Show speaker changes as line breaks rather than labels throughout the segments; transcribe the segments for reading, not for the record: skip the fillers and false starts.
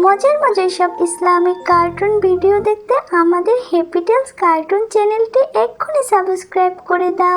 মজার মজার সব ইসলামিক কার্টুন ভিডিও দেখতে আমাদের হ্যাপি টেলস কার্টুন চ্যানেলটি এক্ষুনি সাবস্ক্রাইব করে দাও।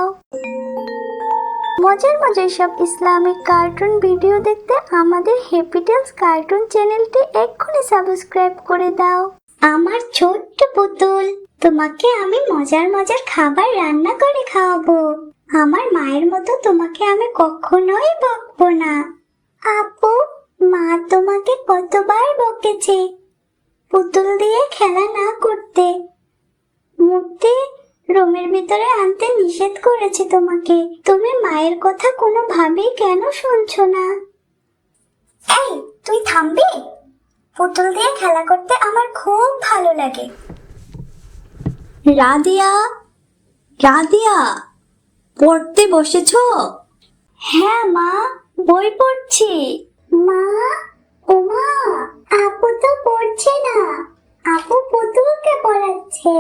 মজার মজার সব ইসলামিক কার্টুন ভিডিও দেখতে আমাদের হ্যাপি টেলস কার্টুন চ্যানেলটি এক্ষুনি সাবস্ক্রাইব করে দাও। আমার ছোট্ট পুতুল, তোমাকে আমি মজার মজার খাবার রান্না করে খাওয়াবো। আমার মায়ের মতো তোমাকে আমি কখনোই বকবো না। আপু, মা তোমাকে কতবার বকেছে পুতুল দিয়ে খেলা না করতে, মূর্তি রুমের ভিতরে আনতে নিষেধ করেছে তোমাকে। তুমি মায়ের কথা কোনোভাবেই কেন শুনছো না? এই, তুই থামবি? পুতুল দিয়ে খেলা করতে আমার খুব ভালো লাগে।
রাদিয়া, রাদিয়া, পড়তে বসেছো?
হ্যাঁ মা, বই পড়ছি। মা, ওমা, আপু তো পড়ছে না, আপু পুতুলকে পড়াচ্ছে।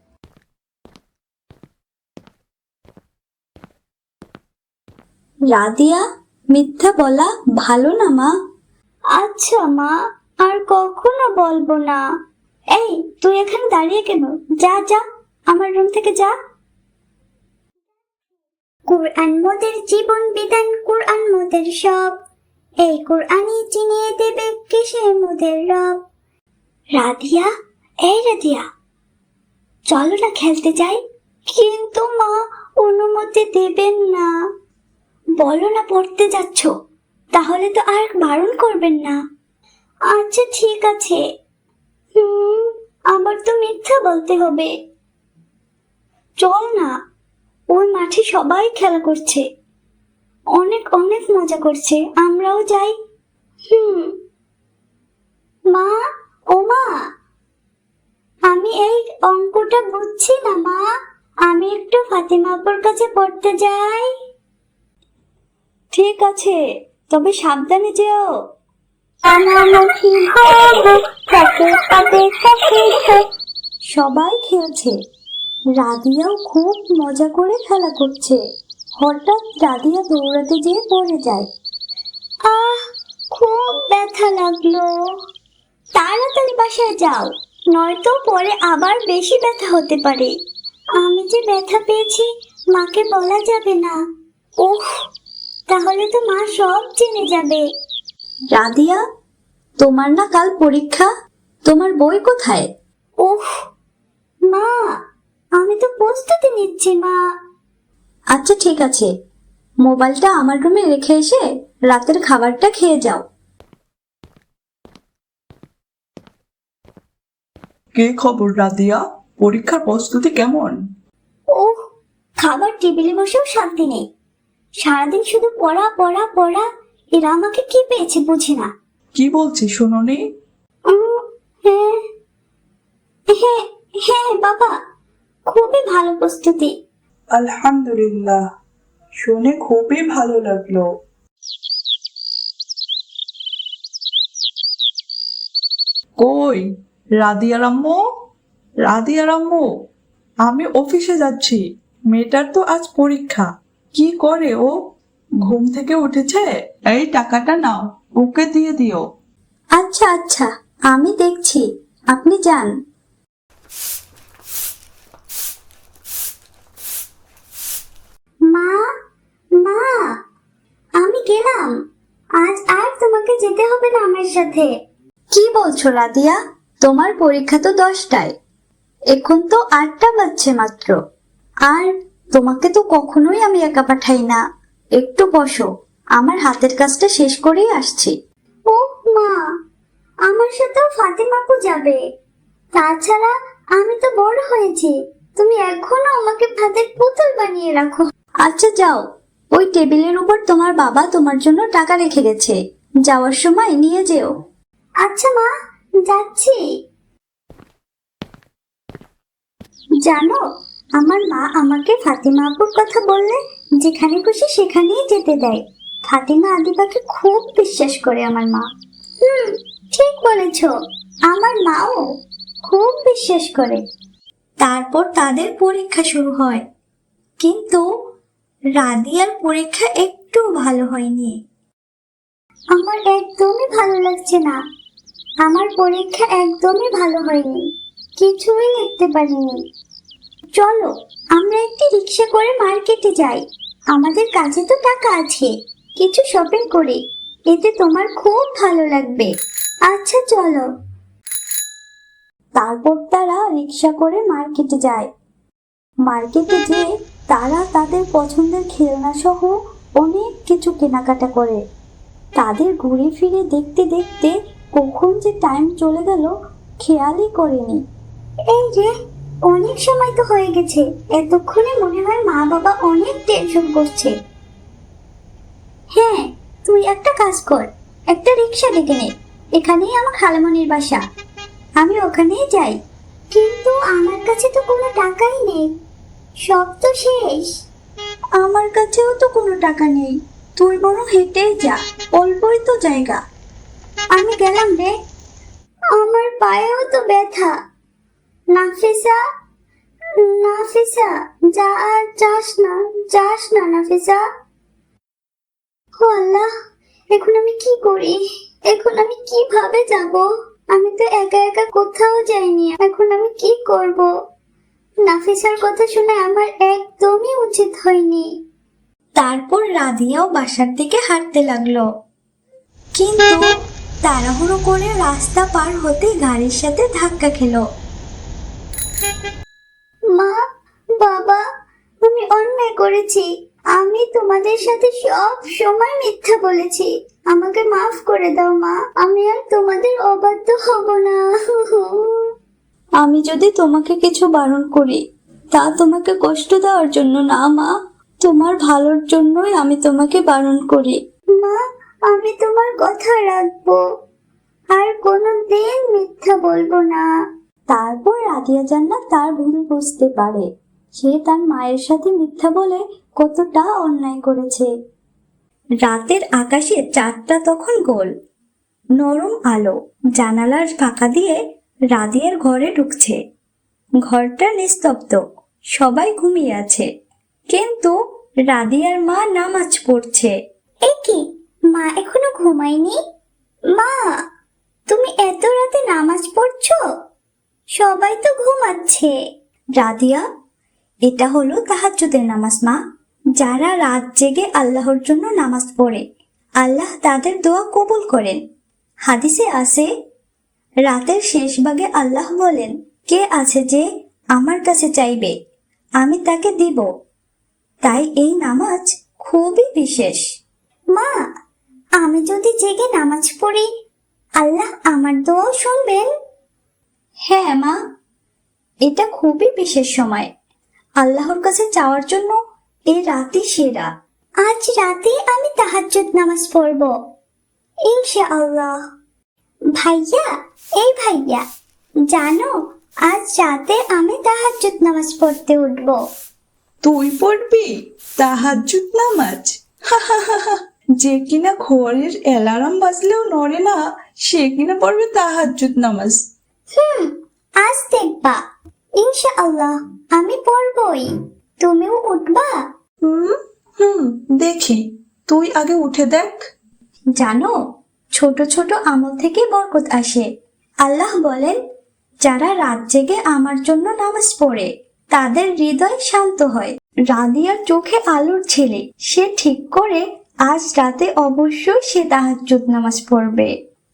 রাদিয়া, মিথ্যা বলা ভালো না মা।
আচ্ছা মা, আর কখনো বলবো না। এই, তুই এখানে দাঁড়িয়ে কেন? যা যা, আমার রুম থেকে যা। কুরআন মোদের জীবন বিধান, কুরআন মোদের সব, এই কুরআনই চিনিয়ে দেবে কিসে মোদের রব। রাধিয়া, এই রাধিয়া, চলো না খেলতে যাই। কিন্তু মা, অনুমতি দেবেন না। বলো না পড়তে যাচ্ছ, তাহলে তো আর বারণ করবেন না। আচ্ছা ঠিক আছে। আবার তো মিথ্যা বলতে হবে। চল না, ওই মাঠে সবাই খেলা করছে, অনেক অনেক মজা করছে, আমরাও যাই। মা, ও মা, আমি এই অঙ্কটা বুঝছি না মা, আমি একটু ফাতিমা আপুর কাছে পড়তে যাই।
ঠিক আছে, তবে সাবধানে যেও। সবাই খেলছে, রাদিয়াও খুব মজা করে খেলা করছে। হঠাৎ রাদিয়া দৌড়াতে যেয়ে পড়ে যায়।
আহ, খুব ব্যথা লাগলো। তাড়াতাড়ি বাসায় যাও, নয়তো পরে আবার বেশি ব্যথা হতে পারে। আমি যে ব্যথা পেয়েছি মাকে বলা যাবে না। ওহ, তাহলে তো মা সব জেনে যাবে।
রাদিয়া, তোমার না কাল পরীক্ষা, তোমার বই কোথায়?
ওহ মা, আমি তো প্রস্তুতি নিচ্ছি মা।
আচ্ছা ঠিক আছে, মোবাইলটা আমার রুমে রেখে এসে রাতের খাবারটা খেয়ে যাও।
কি খবর রাদিয়া, পরীক্ষার প্রস্তুতি কেমন?
ওহ, খাবার টেবিলে বসেও শান্তি নেই, সারাদিন শুধু পড়া পড়া পড়া। এরা আমাকে কি পেয়েছে বুঝি না।
কি বলছি শুনোনি?
হ্যাঁ হ্যাঁ হ্যাঁ বাবা, খুবই ভালো প্রস্তুতি।
আলহামদুলিল্লাহ, শুনে খুবই ভালো লাগলো। কই রাদিয়ার আম্মু, রাদিয়ার আম্মু, আমি অফিসে যাচ্ছি, মেয়েটার তো আজ পরীক্ষা। কি করে ও? ঘুম থেকে উঠেছে? এই টাকাটা নাও, ওকে দিয়ে দিও।
আচ্ছা আচ্ছা, আমি দেখছি, আপনি যান।
মা, মা, আমি গেলাম, আজ আর তোমাকে যেতে হবে না আমার সাথে।
কি বলছো রাদিয়া? তোমার পরীক্ষা তো 10টায়, এখন তো 8টা বাজছে মাত্র। আর তোমাকে তো কখনোই আমি একা পাঠাই না। একটু বসো, আমার হাতের কাজটা শেষ করেই আসছি।
ও মা, আমার সাথেও ফাতেমা আপু যাবে। তাছাড়া আমি তো বড় হয়েছি, তুমি এখনো আমাকে ভাতের পুতুল বানিয়ে রাখো।
আচ্ছা যাও, ওই টেবিলের উপর তোমার বাবা তোমার জন্য টাকা রেখে গেছে, যাওয়ার সময় নিয়ে যেও।
আচ্ছা মা, যাচ্ছি। জানো, আমার মা আমাকে ফাতিমা আপুর কথা বললে যেখানে খুশি সেখানেই যেতে দেয়। ফাতিমা আদিবাকে খুব বিশ্বাস করে আমার মা। ঠিক বলেছ, আমার মাও খুব বিশ্বাস করে।
তারপর তাদের পরীক্ষা শুরু হয়, কিন্তু রাদিয়ার পরীক্ষা একটু ভালো হয়নি।
আমার একদমই ভালো লাগছে না। আমার পরীক্ষা একদমই ভালো হয়নি, কিছুই লিখতে পারিনি। চলো আমরা একটি রিক্সা করে মার্কেটে যাই, আমাদের কাছে তো টাকা আছে, কিছু শপিং করি, এতে তোমার খুব ভালো লাগবে। আচ্ছা চলো।
তারপর তারা রিক্সা করে মার্কেটে যায়। মার্কেটে যেয়ে তারা তাদের পছন্দের খেলনা সহ অনেক কিছু কেনাকাটা করে। তাদের ঘুরে ফিরে দেখতে দেখতে কখন যে টাইম চলে গেল খেয়ালই করেনি।
এই যে, অনেক সময় তো হয়ে গেছে, এতক্ষণে মনে হয় মা বাবা অনেক টেনশন করছে। হ্যাঁ, তুই একটা কাজ কর, একটা রিক্সা ডেকে নে, এখানেই আমার খালামণির বাসা, আমি ওখানেই যাই। কিন্তু আমার কাছে তো কোনো টাকাই নেই, সব তো শেষ।
আমার কাছেও তো কোনো টাকা নেই, তুই বরং হেঁটেই যা, অল্পই তো জায়গা।
আমি গেলাম রে, আমার পায়েও তো ব্যথা। নাফিসা, নাফিসা, যা আর যাস না, যাস না নাফিসা। ও আল্লাহ, এখন আমি কি করি, এখন আমি কিভাবে যাব? আমি তো একা একা কোথাও যাইনি, এখন আমি কি করব? নাফিসার কথা শুনে আমার একদমই উচিত হয়নি।
তারপর রাদিয়াও বাসার দিকে হাঁটতে লাগলো, কিন্তু তাড়াহুড়ো করে রাস্তা পার হতে গাড়ির সাথে ধাক্কা খেলো।
মা, বাবা, আমি অন্যায় করেছি, আমি তোমাদের সাথে সব সময় মিথ্যা বলেছি, আমাকে মাফ করে দাও মা, আমি আর তোমাদের অবাধ্য হব না।
আমি যদি তোমাকে কিছু বারণ করি তা তোমাকে কষ্ট দেওয়ার জন্য না মা, তোমার ভালোর জন্যই আমি তোমাকে বারণ করি।
মা, আমি তোমার কথা রাখবো, আর কোনোদিন মিথ্যা বলবো না।
তারপর রাদিয়া জান্নাত তার ভুল বুঝতে পারে, সে তার মায়ের সাথে মিথ্যা বলে কতটা অন্যায় করেছে। রাতের আকাশে চাঁদটা তখন গোল, নরম আলো জানালার ফাঁকা দিয়ে রাদিয়ার ঘরে ঢুকছে। ঘরটা নিস্তব্ধ, সবাই ঘুমিয়ে আছে, কিন্তু রাদিয়ার মা নামাজ পড়ছে।
এ কি, মা এখনো ঘুমায়নি? মা, তুমি এত রাতে নামাজ পড়ছো? সবাই তো ঘুমাচ্ছে।
রাদিয়া, এটা হলো তাহাজ্জুদের নামাজ মা। যারা রাত জেগে আল্লাহর জন্য নামাজ পড়ে আল্লাহ তাদের দোয়া কবুল করেন। হাদিসে আছে, রাতের শেষ ভাগে আল্লাহ বলেন, কে আছে যে আমার কাছে চাইবে, আমি তাকে দিব। তাই এই নামাজ খুবই বিশেষ।
মা, আমি যদি জেগে নামাজ পড়ি, আল্লাহ আমার দোয়া শুনবেন?
হ্যাঁ মা, এটা খুবই বিশেষ সময়, আল্লাহর কাছে চাওয়ার জন্য এই রাতই সেরা।
আজ রাতে আমি তাহাজ্জুদ নামাজ পড়ব, ইনশাআল্লাহ। ভাইয়া, এই ভাইয়া, জানো আজ রাতে আমি তাহাজ্জুদ নামাজ পড়তে উঠব।
তুই পড়বি তাহাজ্জুদ নামাজ? যে কিনা ঘরের অ্যালার্ম বাজলেও নড়ে না, সে কিনা পড়বে তাহাজ্জুদ নামাজ।
আজ দেখবা, ইনশাআল্লাহ আমি পড়বই, তুমিও উঠবা?
হুম হুম, দেখি, তুই আগে উঠে দেখ।
জানো, ছোট ছোট আমল থেকে বরকত আসে। আল্লাহ বলেন, যারা রাত জেগে আমার জন্য নামাজ পড়ে তাদের হৃদয় শান্ত হয়। রাদিয়ার চোখে আলোর ছেলে, সে ঠিক করে আজ রাতে অবশ্যই সে তাহাজ্জুদ নামাজ পড়বে।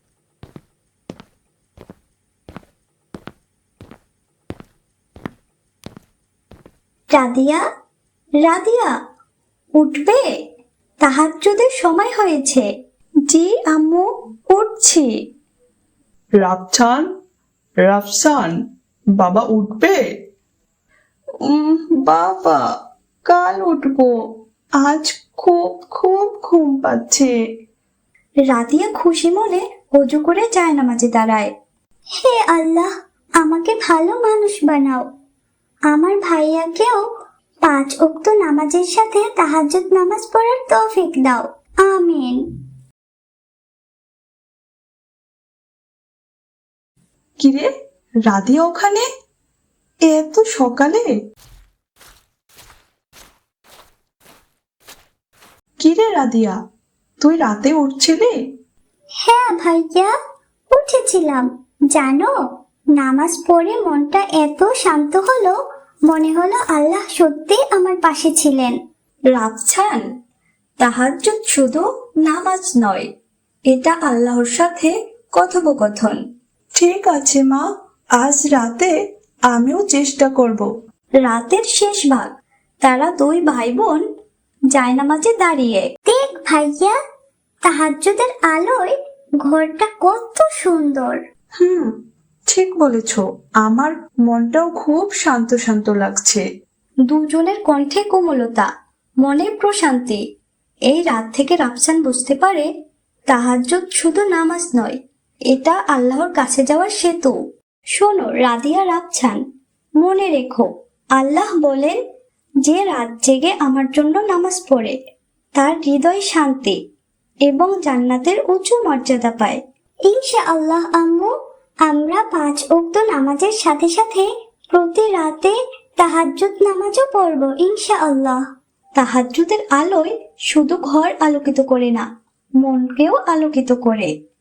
রাদিয়া, রাদিয়া, উঠবে, তাহাজ্জুদের সময় হয়েছে। জি আম্মু, উঠছি।
রাফসান, রাফসান, বাবা উঠবে? বাবা, কাল উঠবো, আজ খুব খুব ঘুম পাচ্ছে।
রাদিয়া খুশি মনে অজু করে জায়নামাজে দাঁড়ায়।
হে আল্লাহ, আমাকে ভালো মানুষ বানাও, আমার ভাইয়াকেও 5 ওয়াক্ত নামাজের সাথে তাহাজ্জুদ নামাজ পড়ার তৌফিক দাও, আমিন।
কিরে, রাধিয়া ওখানে এত সকালে? কিরে রাধিয়া, তুই রাতে উঠছিলি?
হ্যাঁ ভাইয়া, উঠেছি। পড়েছিলাম। জানো, নামাজ পড়ে মনটা এত শান্ত হলো, মনে হলো আল্লাহ সত্যি আমার পাশে ছিলেন।
রাফসান, তাহাজ্জুদ শুধু নামাজ নয়, এটা আল্লাহর সাথে কথোপকথন।
ঠিক আছে মা, আজ রাতে আমিও চেষ্টা করব।
রাতের শেষ ভাগ, তারা দুই ভাই বোন জায়নামাজে দাঁড়িয়ে।
দেখ ভাইয়া, তাহাজ্জুদের আলোয় ঘরটা কত সুন্দর।
ঠিক বলেছ, আমার মনটাও খুব শান্ত শান্ত লাগছে।
দুজনের কণ্ঠে কোমলতা, মনে প্রশান্তি। এই রাত থেকে রাফসান বুঝতে পারে তাহাজ্জুদ শুধু নামাজ নয়, এটা আল্লাহর কাছে যাওয়ার সেতু। শোনো রাদিয়া, রাফসান, মনে রেখো, আল্লাহ বলেন, যে রাত জেগে আমার জন্য নামাজ পড়ে তার হৃদয় শান্তি এবং জান্নাতের উঁচু মর্যাদা পায়।
ইনশাআল্লাহ আম্মু, আমরা 5 ওয়াক্ত নামাজের সাথে সাথে প্রতি রাতে তাহাজ্জুদ নামাজও পড়ব ইনশাআল্লাহ।
তাহাজ্জুদের আলোয় শুধু ঘর আলোকিত করে না, মনকেও আলোকিত করে।